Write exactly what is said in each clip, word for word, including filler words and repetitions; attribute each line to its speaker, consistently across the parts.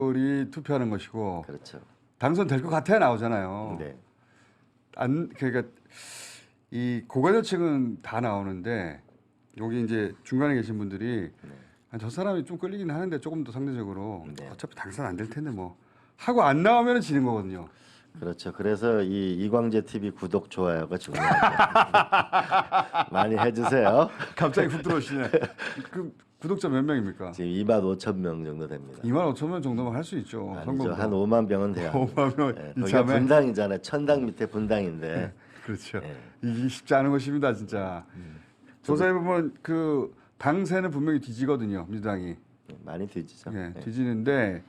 Speaker 1: 이 투표하는 것이고
Speaker 2: 그렇죠.
Speaker 1: 당선될 것 같아야 나오잖아요.
Speaker 2: 네.
Speaker 1: 안 그러니까 이 고관여층은 다 나오는데 여기 이제 중간에 계신 분들이
Speaker 2: 네.
Speaker 1: 아, 저 사람이 좀 끌리긴 하는데 조금 더 상대적으로
Speaker 2: 네.
Speaker 1: 어차피 당선 안 될 텐데 뭐 하고 안 나오면 지는 거거든요.
Speaker 2: 그렇죠. 그래서 이 이광재 티비 구독 좋아요가 중요하죠. 많이 해주세요.
Speaker 1: 갑자기 훅 들어오시네. 그 구독자 몇 명입니까?
Speaker 2: 지금 이만 오천 명 정도 됩니다.
Speaker 1: 이만 오천 명 정도면 할 수 있죠.
Speaker 2: 아니죠. 한 오만 명은 돼야 합니다.
Speaker 1: 오만 명
Speaker 2: 네, 거기가
Speaker 1: 이참에
Speaker 2: 분당이잖아요. 천당 밑에 분당인데.
Speaker 1: 그렇죠.
Speaker 2: 네.
Speaker 1: 이게 쉽지 않은 것입니다, 진짜.
Speaker 2: 음.
Speaker 1: 조사해 보면 그 당세는 분명히 뒤지거든요, 민주당이.
Speaker 2: 많이 뒤지죠.
Speaker 1: 예,
Speaker 2: 네.
Speaker 1: 뒤지는데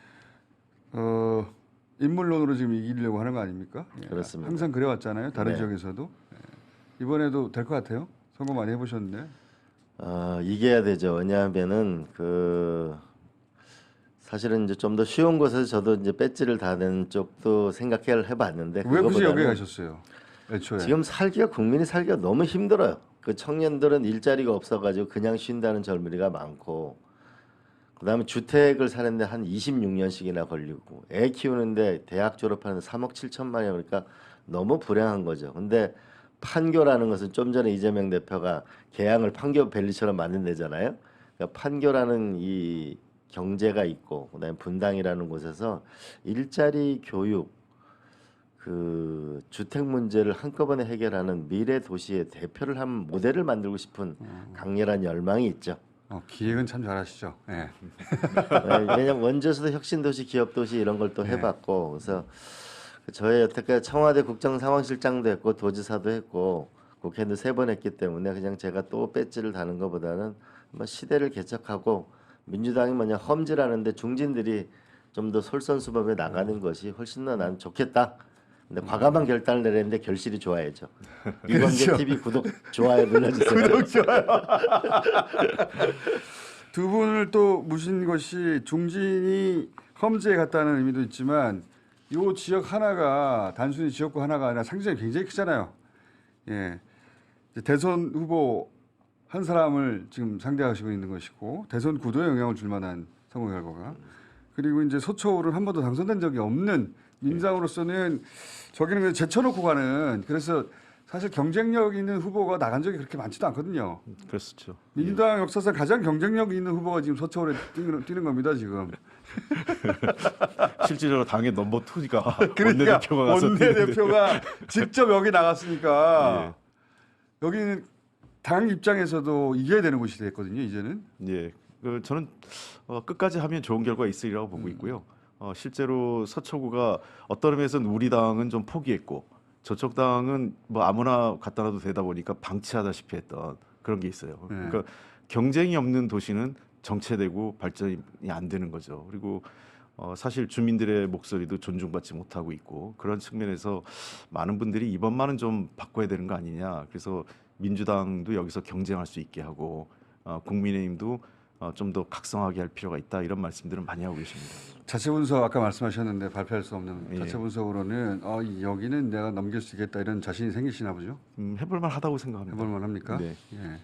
Speaker 1: 어, 인물론으로 지금 이기려고 하는 거 아닙니까? 예,
Speaker 2: 그렇습니다.
Speaker 1: 항상 그래왔잖아요, 다른
Speaker 2: 네.
Speaker 1: 지역에서도. 예. 이번에도 될 것 같아요. 선거 많이 해보셨는데.
Speaker 2: 어, 이겨야 되죠. 왜냐하면은 그 사실은 이제 좀 더 쉬운 곳에서 저도 이제 배지를 다는 쪽도 생각해 해봤는데
Speaker 1: 왜 굳이 여기
Speaker 2: 그거보다는
Speaker 1: 가셨어요? 애초에.
Speaker 2: 지금 살기가 국민이 살기가 너무 힘들어요. 그 청년들은 일자리가 없어가지고 그냥 쉰다는 젊은이가 많고, 그다음에 주택을 사는데 한 이십육 년씩이나 걸리고, 애 키우는데 대학 졸업하는데 삼억 칠천만 원 그러니까 너무 불행한 거죠. 근데 판교라는 것은 좀 전에 이재명 대표가 개항을 판교 밸리처럼 만든다잖아요. 그러니까 판교라는 이 경제가 있고, 그다음에 분당이라는 곳에서 일자리, 교육, 그 주택 문제를 한꺼번에 해결하는 미래 도시의 대표를 한 모델을 만들고 싶은 강렬한 열망이 있죠.
Speaker 1: 어, 기획은 참 잘하시죠. 예.
Speaker 2: 왜냐하면 원주에서도 혁신도시, 기업도시 이런 걸 또
Speaker 1: 네.
Speaker 2: 해봤고, 그래서 저희 여태까지 청와대 국정상황실장도 했고 도지사도 했고 국회의원도 세 번 했기 때문에 그냥 제가 또 배지를 다는 것보다는 한번 시대를 개척하고 민주당이 뭐냐 험지라는데 중진들이 좀 더 솔선수범해 나가는 것이 훨씬 더 난 좋겠다. 근데 과감한 결단을 내렸는데 결실이 좋아야죠. 이광재
Speaker 1: 그렇죠.
Speaker 2: 티비 구독 좋아요 눌러주세요.
Speaker 1: 구독 좋아요. 두 분을 또 모신 것이 중진이 험지에 갔다는 의미도 있지만 이 지역 하나가 단순히 지역구 하나가 아니라 상징이 굉장히 크잖아요. 예, 이제 대선 후보 한 사람을 지금 상대하시고 있는 것이고 대선 구도에 영향을 줄 만한 선거 결과가 그리고 이제 서초울은 한 번도 당선된 적이 없는 민주당으로서는 저기는 그냥 제쳐놓고 가는 그래서 사실 경쟁력 있는 후보가 나간 적이 그렇게 많지도 않거든요.
Speaker 3: 그렇죠.
Speaker 1: 민주당 역사상 가장 경쟁력 있는 후보가 지금 서초울에 뛰는, 뛰는 겁니다 지금.
Speaker 3: 실질적으로 당의 넘버 투가
Speaker 1: 그러니까
Speaker 3: 원내대표가 가서
Speaker 1: 원내대표가 직접 여기 나갔으니까
Speaker 3: 예.
Speaker 1: 여기는 당 입장에서도 이겨야 되는 곳이 됐거든요 이제는.
Speaker 3: 예, 그 저는 어, 끝까지 하면 좋은 결과 있으리라고 보고 있고요. 어, 실제로 서초구가 어떤 의미에서는 우리 당은 좀 포기했고 저쪽 당은 뭐 아무나 갖다 놔도 되다 보니까 방치하다시피 했던 그런 게 있어요.
Speaker 1: 네.
Speaker 3: 그러니까 경쟁이 없는 도시는 정체되고 발전이 안 되는 거죠. 그리고 어, 사실 주민들의 목소리도 존중받지 못하고 있고 그런 측면에서 많은 분들이 이번만은 좀 바꿔야 되는 거 아니냐. 그래서 민주당도 여기서 경쟁할 수 있게 하고 어, 국민의힘도 어, 좀 더 각성하게 할 필요가 있다 이런 말씀들은 많이 하고 계십니다.
Speaker 1: 자체 분석 아까 말씀하셨는데 발표할 수 없는
Speaker 3: 예.
Speaker 1: 자체 분석으로는 어, 여기는 내가 넘길 수 있겠다 이런 자신이 생기시나 보죠.
Speaker 3: 음, 해볼만 하다고 생각합니다.
Speaker 1: 해볼만 합니까?
Speaker 3: 네.
Speaker 1: 예.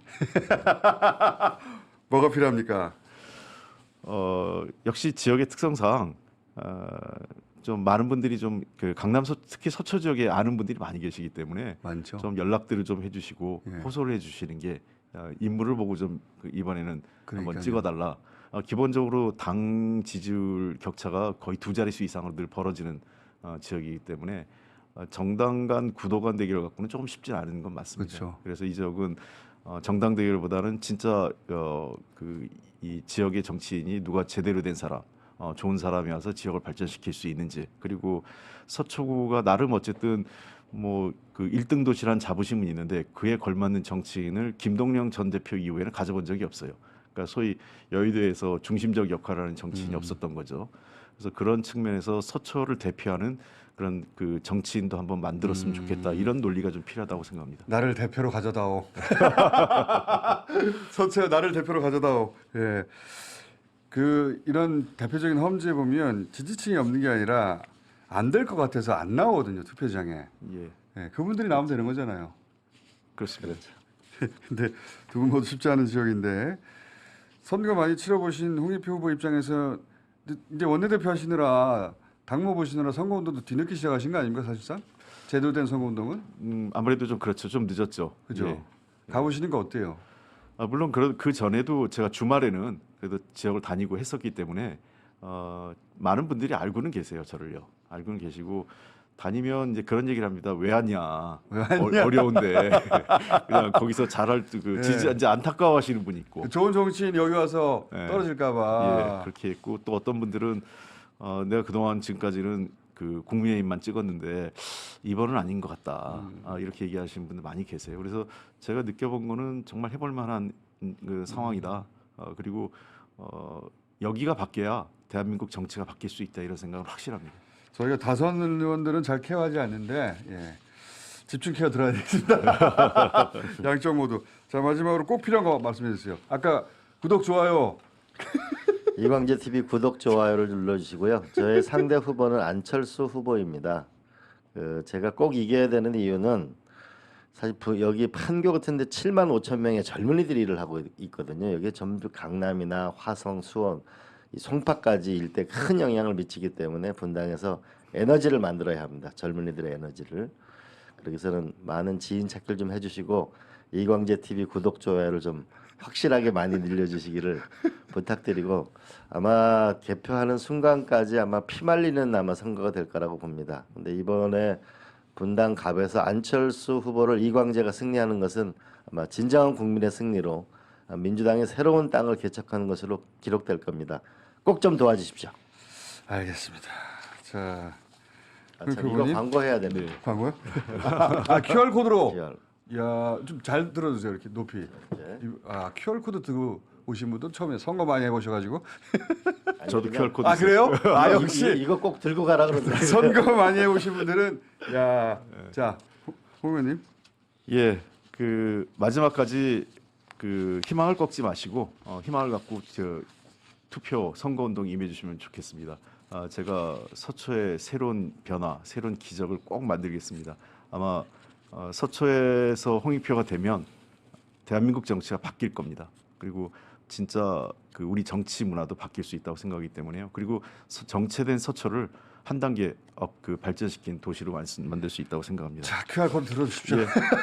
Speaker 1: 뭐가 필요합니까?
Speaker 3: 어, 역시 지역의 특성상 어, 좀 많은 분들이 좀 그 강남 서, 특히 서초 지역에 아는 분들이 많이 계시기 때문에
Speaker 1: 많죠.
Speaker 3: 좀 연락들을 좀 해주시고
Speaker 1: 예.
Speaker 3: 호소를 해주시는 게 어, 인물을 보고 좀 그 이번에는
Speaker 1: 그러니까요.
Speaker 3: 한번 찍어달라. 어, 기본적으로 당 지지율 격차가 거의 두 자릿수 이상으로 늘 벌어지는 어, 지역이기 때문에 어, 정당 간 구도 간 대결 갖고는 조금 쉽지 않은 건 맞습니다.
Speaker 1: 그렇죠.
Speaker 3: 그래서 이 지역은 어, 정당 대결보다는 진짜 어, 그 이 지역의 정치인이 누가 제대로 된 사람, 어, 좋은 사람이 와서 지역을 발전시킬 수 있는지, 그리고 서초구가 나름 어쨌든 뭐 그 일 등 도시란 자부심은 있는데 그에 걸맞는 정치인을 김동영 전 대표 이후에는 가져본 적이 없어요. 그러니까 소위 여의도에서 중심적 역할을 하는 정치인이
Speaker 1: 음.
Speaker 3: 없었던 거죠. 그래서 그런 측면에서 서초를 대표하는 그런 그 정치인도 한번 만들었으면
Speaker 1: 음.
Speaker 3: 좋겠다. 이런 논리가 좀 필요하다고 생각합니다.
Speaker 1: 나를 대표로 가져다오. 서초에 나를 대표로 가져다오. 예. 그 이런 대표적인 험지에 보면 지지층이 없는 게 아니라 안 될 것 같아서 안 나오거든요 투표장에.
Speaker 3: 예,
Speaker 1: 예. 그분들이 나오면 되는 거잖아요.
Speaker 3: 그렇습니다.
Speaker 1: 근데 두 분 모두 쉽지 않은 지역인데 선거 많이 치러보신 홍익표 후보 입장에서 이제 원내대표 하시느라 당무 보시느라 선거운동도 뒤늦게 시작하신 거 아닙니까 사실상? 제대로 된 선거운동은?
Speaker 3: 음, 아무래도 좀 그렇죠. 좀 늦었죠.
Speaker 1: 그죠?
Speaker 3: 예.
Speaker 1: 가보시는 거 어때요?
Speaker 3: 아, 물론 그, 그 전에도 제가 주말에는 그래도 지역을 다니고 했었기 때문에 어, 많은 분들이 알고는 계세요. 저를요. 알고는 계시고 다니면 이제 그런 얘기를 합니다. 왜 왔냐?
Speaker 1: 왜 왔냐?
Speaker 3: 어, 어려운데 그냥 거기서 잘할 그
Speaker 1: 예.
Speaker 3: 지지 이제 안타까워하시는 분이 있고.
Speaker 1: 좋은 정치인 여기 와서
Speaker 3: 예.
Speaker 1: 떨어질까봐.
Speaker 3: 예, 그렇게 했고 또 어떤 분들은 어, 내가 그동안 지금까지는 그 국민의힘만 찍었는데 이번은 아닌 것 같다.
Speaker 1: 음.
Speaker 3: 아, 이렇게 얘기하시는 분들 많이 계세요. 그래서 제가 느껴본 거는 정말 해볼 만한 음, 그 상황이다. 어, 그리고 어, 여기가 바뀌어야 대한민국 정치가 바뀔 수 있다 이런 생각은 확실합니다.
Speaker 1: 저희가 다선 의원들은 잘 케어하지 않는데 예. 집중 케어 들어야 되겠습니다. 양쪽 모두. 자 마지막으로 꼭 필요한 거 말씀해 주세요. 아까 구독 좋아요.
Speaker 2: 이광재 티비 구독 좋아요를 눌러주시고요. 저의 상대 후보는 안철수 후보입니다. 그 제가 꼭 이겨야 되는 이유는 사실 부- 여기 판교 같은데 칠만 오천 명의 젊은이들이 일을 하고 있거든요. 여기 전부 강남이나 화성, 수원, 이 송파까지 일대 큰 영향을 미치기 때문에 분당에서 에너지를 만들어야 합니다. 젊은이들의 에너지를. 그래서는 많은 지인 찾기를 좀 해주시고 이광재 티비 구독 좋아요를 좀 확실하게 많이 늘려주시기를 부탁드리고 아마 개표하는 순간까지 아마 피말리는 아마 선거가 될 거라고 봅니다. 근데 이번에 분당 갑에서 안철수 후보를 이광재가 승리하는 것은 아마 진정한 국민의 승리로 민주당의 새로운 땅을 개척하는 것으로 기록될 겁니다. 꼭 좀 도와주십시오.
Speaker 1: 알겠습니다. 자
Speaker 2: 아,
Speaker 1: 그
Speaker 2: 참 이거
Speaker 1: 그분이?
Speaker 2: 광고해야 됩니다.
Speaker 1: 광고요? 아 큐알 코드로.
Speaker 2: 네.
Speaker 1: 야, 좀 잘 들어주세요. 이렇게 높이.
Speaker 2: 네.
Speaker 1: 이- 아, 큐알 코드 들고 오신 분도 처음에 선거 많이 해보셔가지고.
Speaker 2: 아니,
Speaker 3: 저도
Speaker 2: 그냥
Speaker 3: 큐알 코드
Speaker 1: 아, 그래요? 아,
Speaker 2: 이거-
Speaker 1: 역시
Speaker 2: 이거, 이거 꼭 들고 가라 그러더라고요.
Speaker 1: 선거 많이 해보신 분들은 야, 자, 호- 홍 의원님.
Speaker 3: 예, 그 마지막까지 그 희망을 꺾지 마시고 어, 희망을 갖고 저 투표 선거 운동에 임해주시면 좋겠습니다. 아, 제가 서초의 새로운 변화, 새로운 기적을 꼭 만들겠습니다. 아마 어, 서초에서 홍익표가 되면 대한민국 정치가 바뀔 겁니다. 그리고 진짜 그 우리 정치 문화도 바뀔 수 있다고 생각하기 때문에요. 그리고 서- 정체된 서초를 한 단계 업 그 발전시킨 도시로 만- 만들 수 있다고 생각합니다.
Speaker 1: 자, 큐알 코드 들어주십시오.
Speaker 3: 예.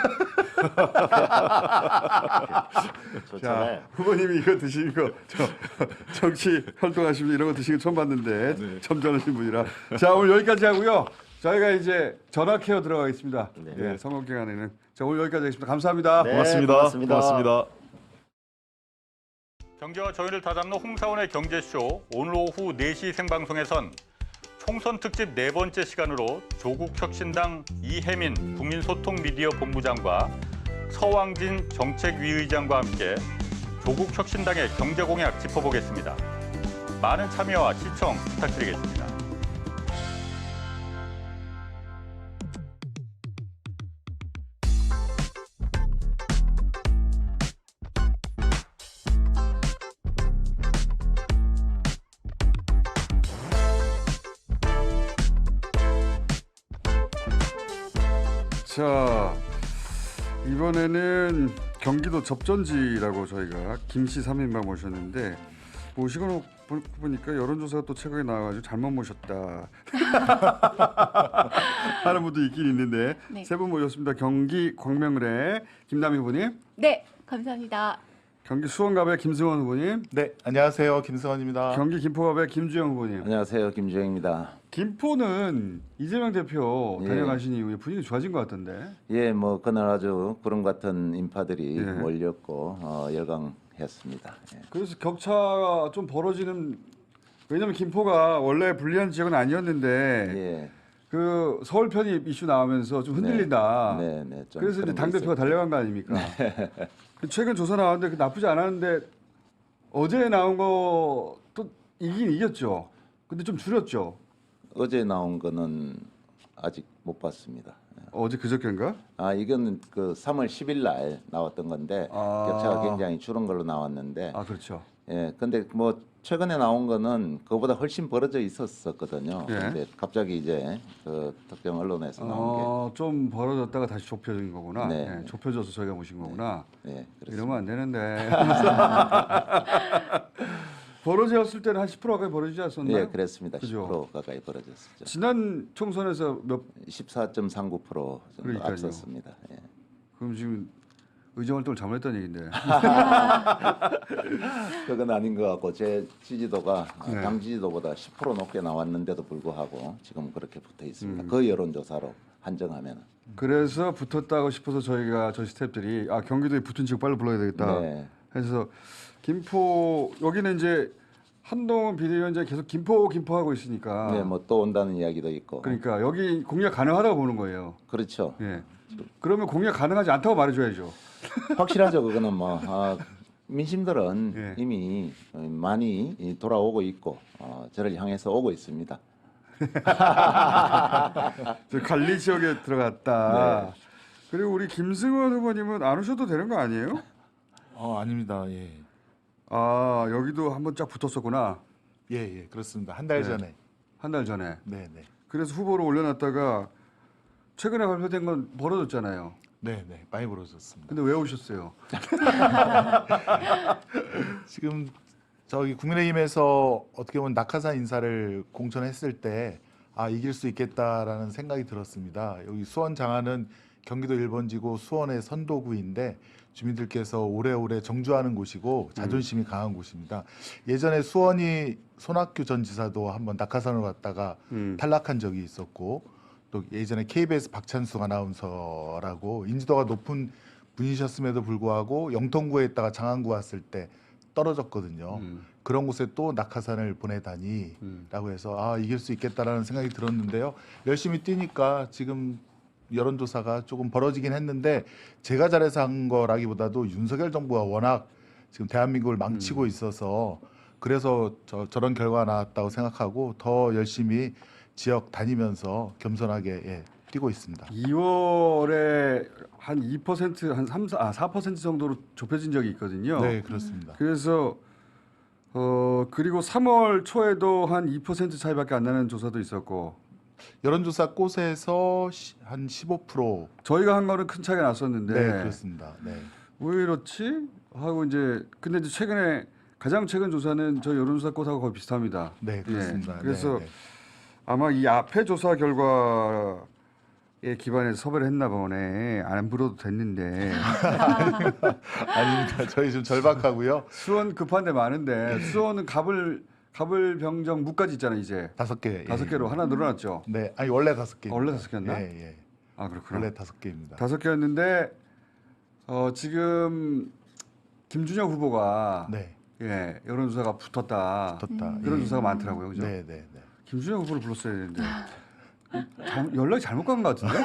Speaker 2: 좋잖아요.
Speaker 1: 자, 후보님이 이거 드시는 거, 저 정치 활동하시면 이런 거 드시는 거 처음 봤는데
Speaker 3: 네.
Speaker 1: 점잖으신 분이라. 자, 오늘 여기까지 하고요. 저희가 이제 전화 케어 들어가겠습니다.
Speaker 2: 네.
Speaker 1: 예, 선거 기간에는. 자, 오늘 여기까지 하겠습니다. 감사합니다.
Speaker 2: 네,
Speaker 3: 고맙습니다.
Speaker 2: 고맙습니다.
Speaker 3: 고맙습니다.
Speaker 4: 경제와 저희를 다잡는 홍사원의 경제쇼 오늘 오후 네 시 생방송에선 총선 특집 네 번째 시간으로 조국혁신당 이혜민 국민소통미디어 본부장과 서왕진 정책위의장과 함께 조국혁신당의 경제공약 짚어보겠습니다. 많은 참여와 시청 부탁드리겠습니다.
Speaker 1: 자, 이번에는 경기도 접전지라고 저희가 김씨 삼 인방 모셨는데 모시고 보- 보니까 여론조사가 또 최근에 나와가지고 잘못 모셨다 하는 분도 있긴 있는데
Speaker 5: 네.
Speaker 1: 세 분 모셨습니다. 경기 광명을의 김남희 후보님,
Speaker 5: 네, 감사합니다.
Speaker 1: 경기 수원갑의 김승원 후보님,
Speaker 6: 네, 안녕하세요. 김승원입니다.
Speaker 1: 경기 김포갑의 김주영 후보님.
Speaker 7: 안녕하세요, 김주영입니다.
Speaker 1: 김포는 이재명 대표
Speaker 7: 예.
Speaker 1: 다녀가신 이후에 분위기 좋아진 것 같던데.
Speaker 7: 예, 뭐 그날 아주 구름 같은 인파들이
Speaker 1: 예.
Speaker 7: 몰렸고 어, 열광했습니다. 예.
Speaker 1: 그래서 격차가 좀 벌어지는, 왜냐면 김포가 원래 불리한 지역은 아니었는데
Speaker 7: 예,
Speaker 1: 그 서울 편입 이슈 나오면서 좀 흔들린다.
Speaker 7: 네, 네, 좀
Speaker 1: 그래서 이제
Speaker 7: 그런 게
Speaker 1: 당 대표가
Speaker 7: 있었죠.
Speaker 1: 달려간 거 아닙니까? 최근 조사 나왔는데 그 나쁘지 않았는데 어제 나온 거 또 이긴 이겼죠. 근데 좀 줄였죠.
Speaker 7: 어제 나온 거는 아직 못 봤습니다. 예.
Speaker 1: 어제 그저께인가?
Speaker 7: 아, 이건 그 삼월 십일 날 나왔던 건데
Speaker 1: 아.
Speaker 7: 격차가 굉장히 줄은 걸로 나왔는데,
Speaker 1: 아 그렇죠.
Speaker 7: 예, 근데 뭐 최근에 나온 거는 그보다 훨씬 벌어져 있었었거든요.
Speaker 1: 예.
Speaker 7: 근데 갑자기 이제 그 특정 언론에서 나온
Speaker 1: 어, 좀 벌어졌다가 다시 좁혀진 거구나.
Speaker 7: 네.
Speaker 1: 예, 좁혀져서 저희가 모신 거구나.
Speaker 7: 게, 예, 그렇습니다.
Speaker 1: 이러면 안 되는데. 벌어졌을 때는 한 십 퍼센트 가까이 벌어지지 않았었나요?
Speaker 7: 예, 그랬습니다.
Speaker 1: 그죠?
Speaker 7: 십 퍼센트 가까이 벌어졌었죠.
Speaker 1: 지난 총선에서 몇
Speaker 7: 십사 점 삼구 퍼센트 정도
Speaker 1: 그러니까요.
Speaker 7: 앞섰습니다. 예.
Speaker 1: 그럼 지금 의정활동을 잘못했다는 얘긴데.
Speaker 7: 그건 아닌 것 같고 제 지지도가
Speaker 1: 네.
Speaker 7: 당 지지도보다 십 퍼센트 높게 나왔는데도 불구하고 지금 그렇게 붙어 있습니다.
Speaker 1: 음.
Speaker 7: 그 여론조사로 한정하면.
Speaker 1: 그래서 붙었다고 싶어서 저희가 저희 스태프들이 아 경기도에 붙은 지역 빨리 불러야 되겠다.
Speaker 7: 네.
Speaker 1: 해서 김포 여기는 이제 한동훈 비대위원장이 계속 김포 김포 하고 있으니까.
Speaker 7: 네, 뭐 또 온다는 이야기도 있고.
Speaker 1: 그러니까 여기 공략 가능하다고 보는 거예요.
Speaker 7: 그렇죠.
Speaker 1: 예. 그러면 공략 가능하지 않다고 말해줘야죠.
Speaker 7: 확실하죠. 그거는 뭐 아, 민심들은
Speaker 1: 예.
Speaker 7: 이미 많이 돌아오고 있고 어, 저를 향해서 오고 있습니다.
Speaker 1: 저 관리 지역에 들어갔다. 그리고 우리 김승원 후보님은 안 오셔도 되는 거 아니에요?
Speaker 6: 어, 아닙니다. 예.
Speaker 1: 아 여기도 한번 쫙 붙었었구나.
Speaker 6: 예, 예. 그렇습니다. 한 달
Speaker 1: 네.
Speaker 6: 전에.
Speaker 1: 한 달 전에.
Speaker 6: 네, 네.
Speaker 1: 그래서 후보로 올려놨다가 최근에 발표된 건 벌어졌잖아요.
Speaker 6: 네, 네. 많이 벌어졌습니다.
Speaker 1: 근데 왜 오셨어요?
Speaker 6: 지금 저기 국민의힘에서 어떻게 보면 낙하산 인사를 공천했을 때 아, 이길 수 있겠다라는 생각이 들었습니다. 여기 수원 장안은 경기도 일 번지고 수원의 선도구인데 주민들께서 오래오래 정주하는 곳이고 자존심이 강한 곳입니다. 예전에 수원이 손학규 전 지사도 한번 낙하산으로 갔다가
Speaker 1: 음.
Speaker 6: 탈락한 적이 있었고 또 예전에 케이비에스 박찬숙 아나운서라고 인지도가 높은 분이셨음에도 불구하고 영통구에 있다가 장안구 왔을 때 떨어졌거든요.
Speaker 1: 음.
Speaker 6: 그런 곳에 또 낙하산을 보내다니라고
Speaker 1: 음.
Speaker 6: 해서 아 이길 수 있겠다라는 생각이 들었는데요. 열심히 뛰니까 지금 여론조사가 조금 벌어지긴 했는데 제가 잘해서 한 거라기보다도 윤석열 정부가 워낙 지금 대한민국을 망치고
Speaker 1: 음.
Speaker 6: 있어서 그래서 저, 저런 결과가 나왔다고 생각하고 더 열심히 지역 다니면서 겸손하게 예, 뛰고 있습니다.
Speaker 1: 이월에 한 이 퍼센트 한 삼, 사, 아, 사 퍼센트 정도로 좁혀진 적이 있거든요.
Speaker 6: 네, 그렇습니다.
Speaker 1: 그래서 어 그리고 삼월 초에도 한 이 퍼센트 차이밖에 안 나는 조사도 있었고
Speaker 6: 여론조사 꽃에서 시- 한 십오 퍼센트
Speaker 1: 저희가 한 거는 큰 차이가 났었는데
Speaker 6: 네, 그렇습니다. 네.
Speaker 1: 왜 이렇지 하고 이제 근데 이제 최근에 가장 최근 조사는 저희 여론조사 꽃하고 거의 비슷합니다.
Speaker 6: 네, 그렇습니다.
Speaker 1: 예, 그래서
Speaker 6: 네, 네.
Speaker 1: 아마 이 앞에 조사 결과에 기반해서 섭외를 했나 보네. 안 불어도 됐는데
Speaker 6: 아닙니다. 저희 좀 절박하고요.
Speaker 1: 수원 급한 데 많은데 수원은 갑을 갑을 병정 무까지 있잖아요 이제
Speaker 6: 다섯 개.
Speaker 1: 다섯
Speaker 6: 예.
Speaker 1: 개로 하나 늘어났죠.
Speaker 6: 네, 아니 원래 다섯 개.
Speaker 1: 아, 원래 다섯 개였나?
Speaker 6: 예, 예.
Speaker 1: 아 그렇구나.
Speaker 6: 원래 다섯 개입니다.
Speaker 1: 다섯 개였는데 어, 지금 김준영 후보가
Speaker 6: 네,
Speaker 1: 예 여론조사가 붙었다.
Speaker 6: 붙었다.
Speaker 1: 그런
Speaker 6: 예.
Speaker 1: 조사가 많더라고요. 그죠?
Speaker 6: 네, 네, 네.
Speaker 1: 김준영 후보를 불렀어야 되는데 잘, 연락이 잘못 간 것 같은데.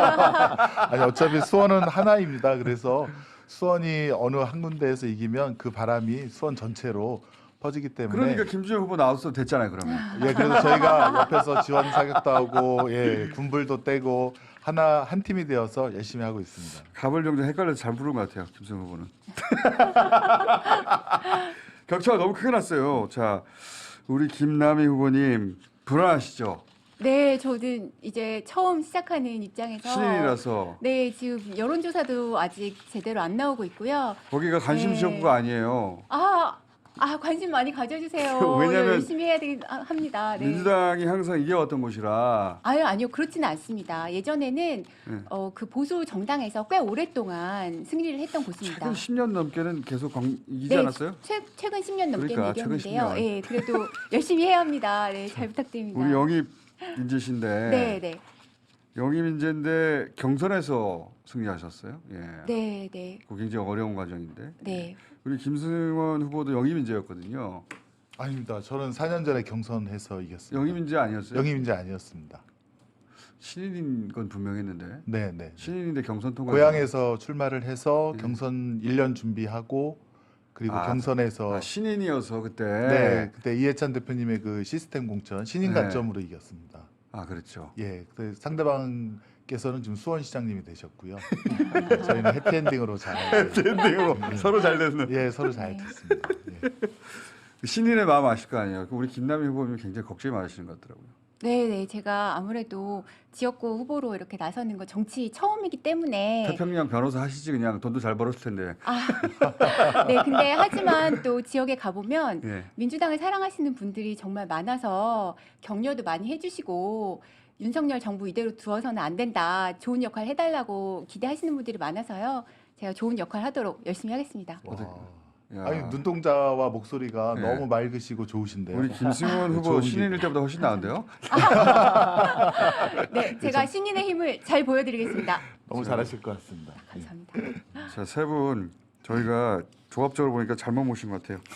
Speaker 6: 아니 어차피 수원은 하나입니다. 그래서 수원이 어느 한 군데에서 이기면 그 바람이 수원 전체로 퍼지기 때문에.
Speaker 1: 그러니까 김준영 후보 나왔어도 됐잖아요. 그러면.
Speaker 6: 예, 그래서 저희가 옆에서 지원 사격도 하고, 예, 군불도 떼고 하나 한 팀이 되어서 열심히 하고 있습니다.
Speaker 1: 갑을 병정 헷갈려서 잘 부른 것 같아요. 김승 후보는. 격차가 너무 크게 났어요. 자, 우리 김남희 후보님 불안하시죠?
Speaker 5: 네, 저는 이제 처음 시작하는 입장에서
Speaker 1: 신인이라서
Speaker 5: 네, 지금 여론조사도 아직 제대로 안 나오고 있고요.
Speaker 1: 거기가 관심
Speaker 5: 네.
Speaker 1: 지역구가 아니에요.
Speaker 5: 아, 아 관심 많이 가져주세요.
Speaker 1: 왜냐면
Speaker 5: 열심히 해야 되, 아, 합니다. 네.
Speaker 1: 민주당이 항상 이겨왔던 곳이라.
Speaker 5: 아유, 아니요, 그렇지는 않습니다. 예전에는
Speaker 1: 네.
Speaker 5: 어, 그 보수 정당에서 꽤 오랫동안 승리를 했던 곳입니다.
Speaker 1: 최근 십 년 넘게는 계속 광, 이기지
Speaker 5: 네,
Speaker 1: 않았어요?
Speaker 5: 최, 최근 십 년 넘게
Speaker 1: 그러니까, 최근 십
Speaker 5: 이겼는데요.
Speaker 1: 년.
Speaker 5: 예, 그래도 열심히 해야 합니다. 네, 잘 부탁드립니다.
Speaker 1: 우리 영입 인재신데
Speaker 5: 네, 네,
Speaker 1: 영입 인재인데 경선에서 승리하셨어요. 예.
Speaker 5: 네, 네,
Speaker 1: 그거 굉장히 어려운 과정인데.
Speaker 5: 네.
Speaker 1: 우리 김승원 후보도 영입 인재였거든요.
Speaker 6: 아닙니다. 저는 사 년 전에 경선해서 이겼습니다.
Speaker 1: 영입 인재 아니었어요?
Speaker 6: 영입인재 아니었습니다.
Speaker 1: 신인인 건 분명했는데.
Speaker 6: 네, 네.
Speaker 1: 신인인데 경선 통과.
Speaker 6: 고향에서 출마를 해서
Speaker 1: 네.
Speaker 6: 경선 일 년 준비하고 그리고
Speaker 1: 아,
Speaker 6: 경선에서
Speaker 1: 아, 신인이어서 그때.
Speaker 6: 네, 그때 이해찬 대표님의 그 시스템 공천 신인
Speaker 1: 네.
Speaker 6: 관점으로 이겼습니다.
Speaker 1: 아 그렇죠.
Speaker 6: 예, 그 상대방께서는 지금 수원시장님이 되셨고요. 저희는 해피엔딩으로 잘
Speaker 1: 엔딩으로 서로 잘 됐는.
Speaker 6: 예, 서로 잘
Speaker 5: 네.
Speaker 6: 됐습니다. 예.
Speaker 1: 신인의 마음 아실 거 아니에요. 우리 김남희 후보님 굉장히 걱정이 많으시는 것 같더라고요.
Speaker 5: 네네, 제가 아무래도 지역구 후보로 이렇게 나서는 거 정치 처음이기 때문에
Speaker 1: 태평양 변호사 하시지 그냥 돈도 잘 벌었을 텐데.
Speaker 5: 아, 네, 근데 하지만 또 지역에 가보면
Speaker 1: 예.
Speaker 5: 민주당을 사랑하시는 분들이 정말 많아서 격려도 많이 해주시고 윤석열 정부 이대로 두어서는 안 된다, 좋은 역할 해달라고 기대하시는 분들이 많아서요. 제가 좋은 역할 하도록 열심히 하겠습니다.
Speaker 6: 와.
Speaker 1: 야.
Speaker 6: 아니 눈동자와 목소리가
Speaker 1: 네.
Speaker 6: 너무 맑으시고 좋으신데요.
Speaker 1: 우리 김승원 후보
Speaker 6: 좋은
Speaker 1: 신인일 때보다 훨씬 나은데요?
Speaker 5: 네, 제가 신인의 힘을 잘 보여드리겠습니다.
Speaker 6: 너무 잘하실 것 같습니다.
Speaker 5: 감사합니다.
Speaker 1: 자, 세 분 저희가 조합적으로 보니까 잘못 모신 것 같아요.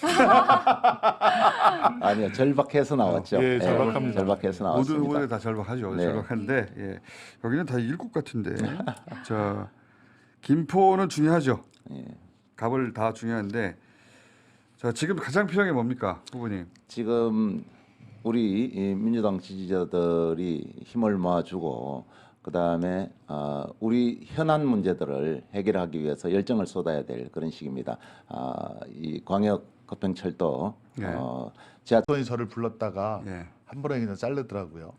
Speaker 7: 아니요, 절박해서 나왔죠.
Speaker 6: 예, 절박합니다.
Speaker 7: 절박해서
Speaker 1: 모든
Speaker 7: 나왔습니다.
Speaker 1: 후보들 다 절박하죠.
Speaker 7: 네.
Speaker 1: 절박한데 예. 여기는 다 이길 것 같은데. 자, 김포는 중요하죠.
Speaker 7: 예.
Speaker 1: 갑을 다 중요한데. 자, 지금 가장 필요한 게 뭡니까, 후보님?
Speaker 7: 지금 우리 이 민주당 지지자들이 힘을 모아주고 그다음에 어, 우리 현안 문제들을 해결하기 위해서 열정을 쏟아야 될 그런 시기입니다. 아, 이 광역 급행철도
Speaker 1: 네.
Speaker 7: 어, 지하
Speaker 6: 손이 저를 불렀다가
Speaker 1: 예.
Speaker 6: 한 번에 그냥 자르더라고요.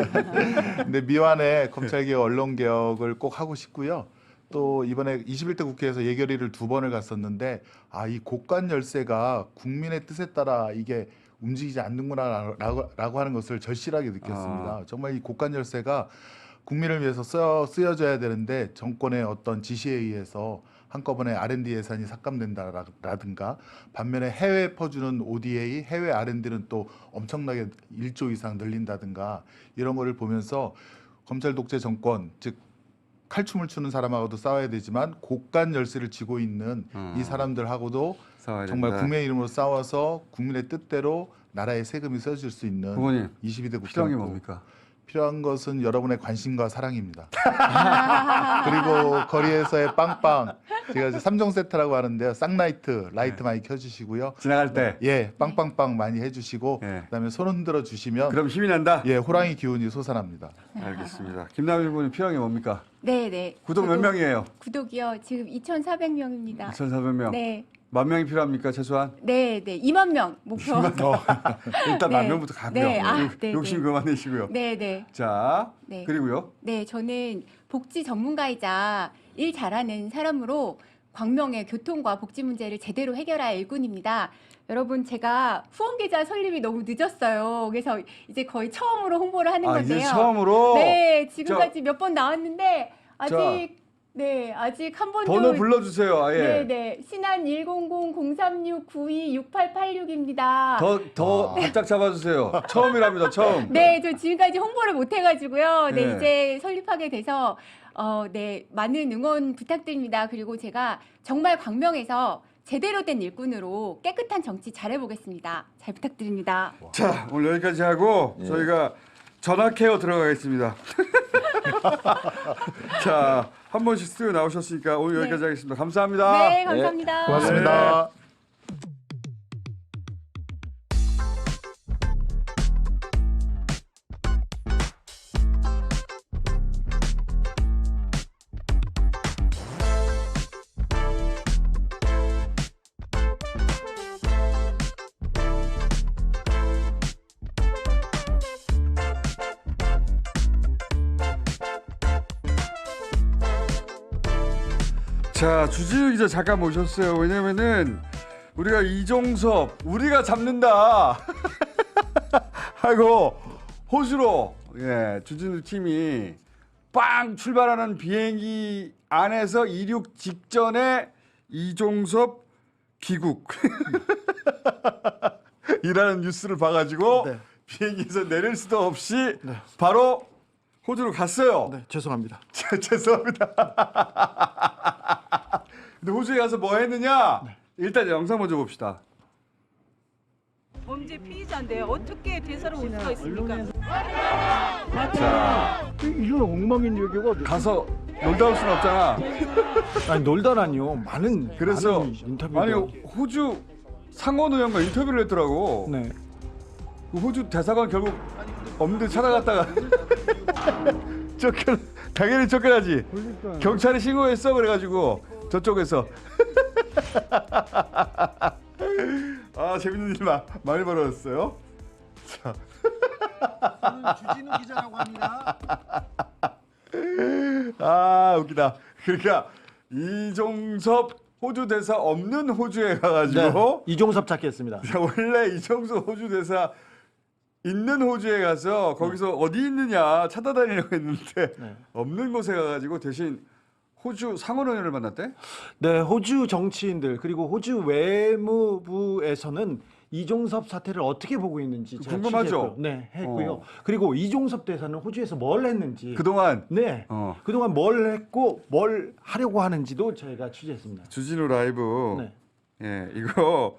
Speaker 6: 근데 미완의 검찰개혁, 언론개혁을 꼭 하고 싶고요. 또 이번에 이십일 대 국회에서 예결위를 두 번을 갔었는데 아, 이 고관 열쇠가 국민의 뜻에 따라 이게 움직이지 않는구나라고 라고 하는 것을 절실하게 느꼈습니다.
Speaker 1: 아.
Speaker 6: 정말 이 고관 열쇠가 국민을 위해서 쓰여, 쓰여져야 되는데 정권의 어떤 지시에 의해서 한꺼번에 알 앤 디 예산이 삭감된다라든가 반면에 해외 퍼주는 오 디 에이, 해외 알 앤 디는 또 엄청나게 일조 이상 늘린다든가 이런 거를 보면서 검찰 독재 정권, 즉 칼춤을 추는 사람하고도 싸워야 되지만 고관 열쇠를 쥐고 있는
Speaker 1: 음.
Speaker 6: 이 사람들하고도
Speaker 1: 싸워야
Speaker 6: 정말
Speaker 1: 된다.
Speaker 6: 국민의 이름으로 싸워서 국민의 뜻대로 나라의 세금이 써질 수 있는
Speaker 1: 후보님,
Speaker 6: 이십이 대 국회
Speaker 1: 필요한 게 뭡니까?
Speaker 6: 필요한 것은 여러분의 관심과 사랑입니다. 그리고 거리에서의 빵빵, 제가 이제 삼 종 세트라고 하는데요. 쌍라이트, 라이트 많이 켜주시고요.
Speaker 1: 지나갈 때.
Speaker 6: 예, 빵빵빵 많이 해주시고
Speaker 1: 예.
Speaker 6: 그다음에 손 흔들어 주시면
Speaker 1: 그럼 힘이 난다?
Speaker 6: 예, 호랑이 기운이 솟아납니다.
Speaker 1: 알겠습니다. 김남희 후보님 필요한 게 뭡니까?
Speaker 5: 네네.
Speaker 1: 구독 몇 명이에요?
Speaker 5: 구독이요. 지금 이천사백 명입니다.
Speaker 1: 이천사백 명.
Speaker 5: 네.
Speaker 1: 만 명이 필요합니까, 최소한?
Speaker 5: 네, 네. 이만 명 목표.
Speaker 1: 일단
Speaker 5: 네.
Speaker 1: 만 명부터 가고요.
Speaker 5: 네, 아,
Speaker 1: 욕-
Speaker 5: 네,
Speaker 1: 욕심
Speaker 5: 네.
Speaker 1: 그만 내시고요.
Speaker 5: 네, 네.
Speaker 1: 자,
Speaker 5: 네.
Speaker 1: 그리고요.
Speaker 5: 네, 저는 복지 전문가이자 일 잘하는 사람으로 광명의 교통과 복지 문제를 제대로 해결할 일꾼입니다. 여러분, 제가 후원 계좌 설립이 너무 늦었어요. 그래서 이제 거의 처음으로 홍보를 하는
Speaker 1: 아,
Speaker 5: 건데요.
Speaker 1: 이제 처음으로
Speaker 5: 네, 지금까지 몇 번 나왔는데 아직
Speaker 1: 자,
Speaker 5: 네, 아직 한 번도
Speaker 1: 번호 불러주세요. 아예.
Speaker 5: 네, 네. 신한 일공공 공삼육 구이 육팔팔육입니다.
Speaker 1: 더, 더 바짝 잡아주세요. 처음이랍니다, 처음.
Speaker 5: 네, 저 지금까지 홍보를 못 해가지고요. 네,
Speaker 1: 네.
Speaker 5: 이제 설립하게 돼서 어, 네, 많은 응원 부탁드립니다. 그리고 제가 정말 광명에서 제대로 된 일꾼으로 깨끗한 정치 잘해보겠습니다. 잘 부탁드립니다.
Speaker 1: 자, 오늘 여기까지 하고
Speaker 7: 예.
Speaker 1: 저희가 전화 케어 들어가겠습니다. 자, 한 번씩 스튜디오 나오셨으니까 오늘
Speaker 5: 네.
Speaker 1: 여기까지 하겠습니다. 감사합니다.
Speaker 5: 네, 감사합니다.
Speaker 6: 고맙습니다.
Speaker 1: 자, 주진우 기자 잠깐 모셨어요. 왜냐면은 우리가 이종섭 우리가 잡는다 하고 호주로 예, 주진우 팀이 빵 출발하는 비행기 안에서 이륙 직전에 이종섭 귀국 이라는 뉴스를 봐가지고
Speaker 8: 네.
Speaker 1: 비행기에서 내릴 수도 없이 바로 호주로 갔어요.
Speaker 8: 네, 죄송합니다.
Speaker 1: 죄송합니다. 근데 호주에 가서 뭐 했느냐? 일단 영상 먼저 봅시다.
Speaker 9: 범죄 피의자인데 어떻게 대사를 올 수가 있습니까?
Speaker 1: 자,
Speaker 8: 이런 엉망인 얘기가
Speaker 1: 가서 놀다 올 수는 없잖아.
Speaker 8: 아니 놀다라니요. 많은
Speaker 1: 그래서
Speaker 8: 많은 인터뷰
Speaker 1: 아니 호주 상원 의원과 인터뷰를 했더라고.
Speaker 8: 네.
Speaker 1: 그 호주 대사관 결국 없는데 찾아갔다가 쫓겨 당연히 쫓겨나지.
Speaker 8: 그러니까
Speaker 1: 경찰에 신고했어 그래가지고 저쪽에서 아 재밌는 일 마, 많이 벌어졌어요. 자.
Speaker 8: 저는 주진우 기자라고 합니다.
Speaker 1: 아 웃기다. 그러니까 이종섭 호주 대사 없는 호주에 가가지고
Speaker 8: 네, 이종섭 찾겠습니다.
Speaker 1: 자, 원래 이종섭 호주 대사 있는 호주에 가서 거기서 어디 있느냐 찾아다니려고 했는데
Speaker 8: 네.
Speaker 1: 없는 곳에 가가지고 대신 호주 상원의원을 만났대?
Speaker 8: 네, 호주 정치인들 그리고 호주 외무부에서는 이종섭 사태를 어떻게 보고 있는지 제가
Speaker 1: 궁금하죠?
Speaker 8: 취재했고요. 네, 했고요.
Speaker 1: 어.
Speaker 8: 그리고 이종섭 대사는 호주에서 뭘 했는지
Speaker 1: 그동안
Speaker 8: 네,
Speaker 1: 어.
Speaker 8: 그동안 뭘 했고 뭘 하려고 하는지도 저희가 취재했습니다.
Speaker 1: 주진우 라이브
Speaker 8: 네.
Speaker 1: 예 이거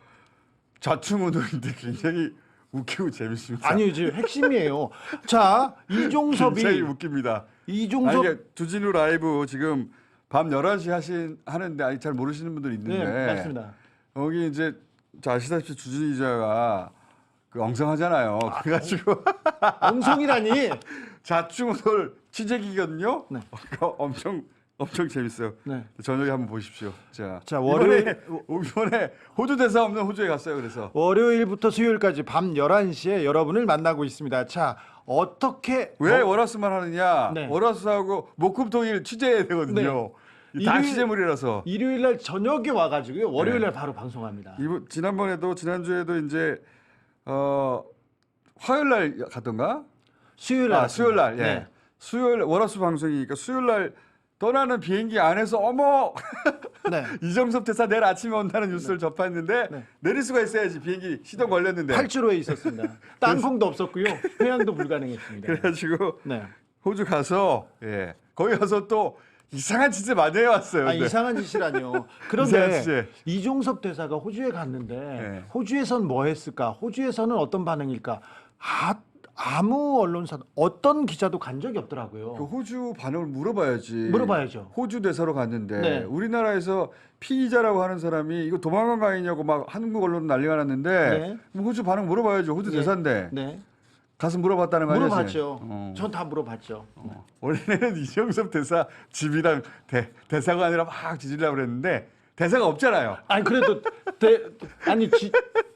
Speaker 1: 좌충우돌인데 굉장히 웃기고 재밌습니다.
Speaker 8: 아니요, 지금 핵심이에요. 자, 이종섭이
Speaker 1: 굉장히 웃깁니다.
Speaker 8: 이종섭
Speaker 1: 아니, 이게 주진우 라이브 지금 밤 열한 시 하신 하는데 아직 잘 모르시는 분들 있는데
Speaker 8: 네, 맞습니다.
Speaker 1: 여기 이제 자, 아시다시피 주진우 기자가 그 엉성하잖아요. 그래가지고
Speaker 8: 엉성이라니.
Speaker 1: 좌충우돌 취재기거든요.
Speaker 8: 네.
Speaker 1: 그거 엄청 엄청 재밌어요.
Speaker 8: 네.
Speaker 1: 저녁에 한번 보십시오. 자,
Speaker 8: 자, 월요일-
Speaker 1: 이번에, 이번에 호주 대사 없는 호주에 갔어요. 그래서
Speaker 8: 월요일부터 수요일까지 밤 열한 시에 여러분을 만나고 있습니다. 자, 어떻게
Speaker 1: 왜
Speaker 8: 어,
Speaker 1: 월화수만 하느냐?
Speaker 8: 네.
Speaker 1: 월화수하고 목금토일 취재해야 되거든요.
Speaker 8: 네.
Speaker 1: 다
Speaker 8: 일요일-
Speaker 1: 취재물이라서.
Speaker 8: 일요일 날 저녁에 와가지고요. 월요일 날 바로 방송합니다.
Speaker 1: 이번 지난번에도 지난주에도 이제 어 화요일 날 가던가?
Speaker 8: 수요일 날
Speaker 1: 아, 수요일 날. 예.
Speaker 8: 네.
Speaker 1: 수요일 월화수 방송이니까 수요일 날 떠나는 비행기 안에서 어머
Speaker 8: 네.
Speaker 1: 이정섭 대사 내일 아침에 온다는 뉴스를 접했는데
Speaker 8: 네.
Speaker 1: 내릴 수가 있어야지 비행기 시동 걸렸는데
Speaker 8: 팔주로에 있었습니다. 땅콩도 없었고요. 회항도 불가능했습니다.
Speaker 1: 그래가지고
Speaker 8: 네.
Speaker 1: 호주 가서 예 거기 가서 또 이상한 짓을 많이 해왔어요.
Speaker 8: 아,
Speaker 1: 근데.
Speaker 8: 이상한 짓이라뇨.
Speaker 1: 이상한
Speaker 8: 그런데
Speaker 1: 짓.
Speaker 8: 이종섭 대사가 호주에 갔는데
Speaker 1: 네.
Speaker 8: 호주에선 뭐 했을까? 호주에서는 어떤 반응일까? 아, 아무 언론사 어떤 기자도 간 적이 없더라고요.
Speaker 1: 그 호주 반응을 물어봐야지.
Speaker 8: 물어봐야죠.
Speaker 1: 호주 대사로 갔는데
Speaker 8: 네.
Speaker 1: 우리나라에서 피의자라고 하는 사람이 이거 도망간 거 아니냐고 막 한국 언론 난리가 났는데
Speaker 8: 네.
Speaker 1: 그럼 호주 반응 물어봐야죠. 호주
Speaker 8: 네.
Speaker 1: 대사인데
Speaker 8: 네.
Speaker 1: 가서 물어봤다는 거 아니야?
Speaker 8: 물어봤죠.
Speaker 1: 어.
Speaker 8: 전 다 물어봤죠.
Speaker 1: 어. 원래는 이정섭 대사 집이랑 대, 대사가 아니라 막 지지려고 그랬는데 대사가 없잖아요.
Speaker 8: 아니 그래도 대, 아니 지,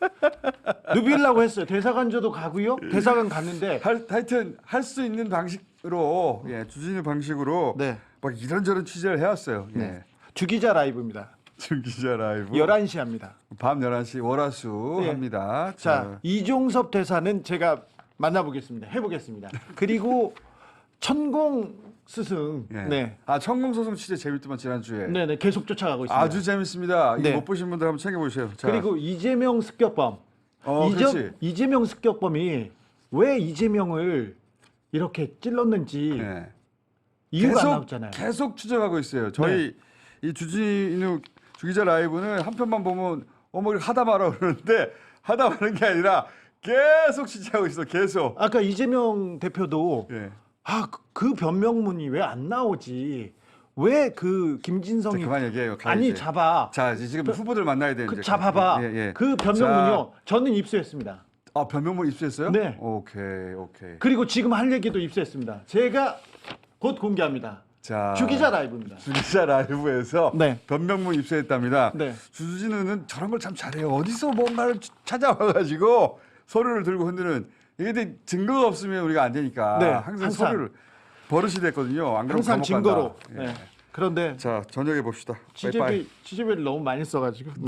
Speaker 8: 누비려고 했어요. 대사관저도 가고요. 대사관 갔는데
Speaker 1: 할, 하여튼 할 수 있는 방식으로 예, 주진우 방식으로
Speaker 8: 네.
Speaker 1: 막 이런저런 취재를 해왔어요. 예.
Speaker 8: 네. 주기자 라이브입니다.
Speaker 1: 준 기자 라이브
Speaker 8: 열한 시 합니다.
Speaker 1: 밤 열한 시 월화수
Speaker 8: 네.
Speaker 1: 합니다.
Speaker 8: 자, 이종섭 대사는 제가 만나보겠습니다. 해보겠습니다. 그리고 천공 스승,
Speaker 1: 예.
Speaker 8: 네,
Speaker 1: 아 천공소송 취재 재밌더만 지난주에
Speaker 8: 네, 네, 계속 쫓아가고 있습니다.
Speaker 1: 아주 재밌습니다.
Speaker 8: 네.
Speaker 1: 이거 못 보신 분들 한번 챙겨보세요. 자,
Speaker 8: 그리고 이재명 습격범,
Speaker 1: 어,
Speaker 8: 이재,
Speaker 1: 그렇지.
Speaker 8: 이재명 습격범이 왜 이재명을 이렇게 찔렀는지
Speaker 1: 예.
Speaker 8: 이유가 안
Speaker 1: 계속
Speaker 8: 나왔잖아요.
Speaker 1: 계속 추적하고 있어요. 저희 이 주진우 주기자 라이브는 한 편만 보면 어머 이거 하다 말아 그러는데 하다 마는 게 아니라 계속 취재하고 있어. 계속.
Speaker 8: 아까 이재명 대표도
Speaker 1: 예.
Speaker 8: 아, 그, 그 변명문이 왜 안 나오지? 왜 그
Speaker 1: 자,
Speaker 8: 김진성이
Speaker 1: 그만 얘기해요. 가,
Speaker 8: 아니
Speaker 1: 이제.
Speaker 8: 잡아.
Speaker 1: 자 이제 지금 후보들 만나야 되는데.
Speaker 8: 그 잡아봐.
Speaker 1: 예, 예.
Speaker 8: 그 변명문요. 저는 입수했습니다.
Speaker 1: 아 변명문 입수했어요?
Speaker 8: 네.
Speaker 1: 오케이 오케이.
Speaker 8: 그리고 지금 할 얘기도 입수했습니다. 제가 곧 공개합니다.
Speaker 1: 자
Speaker 8: 주기자 라이브입니다.
Speaker 1: 주기자 라이브에서
Speaker 8: 네.
Speaker 1: 변명문 입수했답니다.
Speaker 8: 네.
Speaker 1: 주진우는 저런 걸 참 잘해요. 어디서 뭔가를 찾아와가지고 서류를 들고 흔드는 이게 근데 증거가 없으면 우리가 안 되니까
Speaker 8: 네,
Speaker 1: 항상,
Speaker 8: 항상.
Speaker 1: 서류를 버릇이 됐거든요. 안 그러면
Speaker 8: 항상
Speaker 1: 감옥
Speaker 8: 증거로.
Speaker 1: 간다. 예.
Speaker 8: 네. 그런데
Speaker 1: 자 저녁에 봅시다. 빠이빠이.
Speaker 8: 취재비 취재비를 너무 많이 써가지고 네.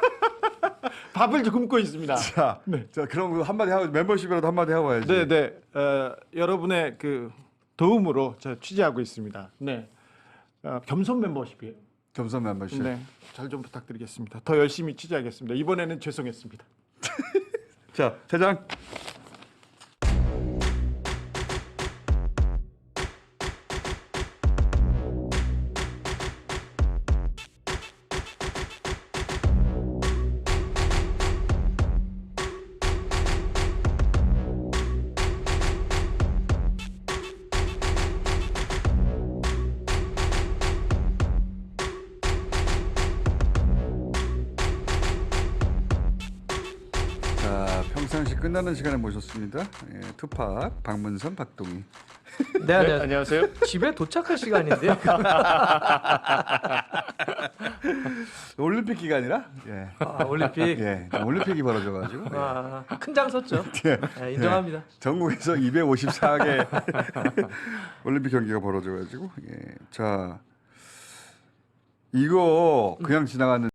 Speaker 8: 밥을 좀 굶고 있습니다.
Speaker 1: 자,
Speaker 8: 네.
Speaker 1: 자 그럼 한마디 하고 멤버십이라도 한마디 하고 와야지.
Speaker 8: 네, 네. 어, 여러분의 그 도움으로 저 취재하고 있습니다. 네. 어, 겸손 멤버십이에요.
Speaker 1: 겸손 멤버십.
Speaker 8: 네. 잘 좀 부탁드리겠습니다. 더 열심히 취재하겠습니다. 이번에는 죄송했습니다.
Speaker 1: 자 대장. 자 평상시 끝나는 시간에 모셨습니다. 예, 투팍 박문선 박동희.
Speaker 10: 네, 안녕.
Speaker 3: 안녕하세요.
Speaker 10: 집에 도착할 시간인데요.
Speaker 1: 올림픽 기간이라 예.
Speaker 10: 아, 올림픽.
Speaker 1: 예, 올림픽이 벌어져가지고 예.
Speaker 10: 아, 큰 장 섰죠. 네, 인정합니다.
Speaker 1: 전국에서 이백오십사 개 올림픽 경기가 벌어져가지고 예. 자 이거 그냥 지나갔는데.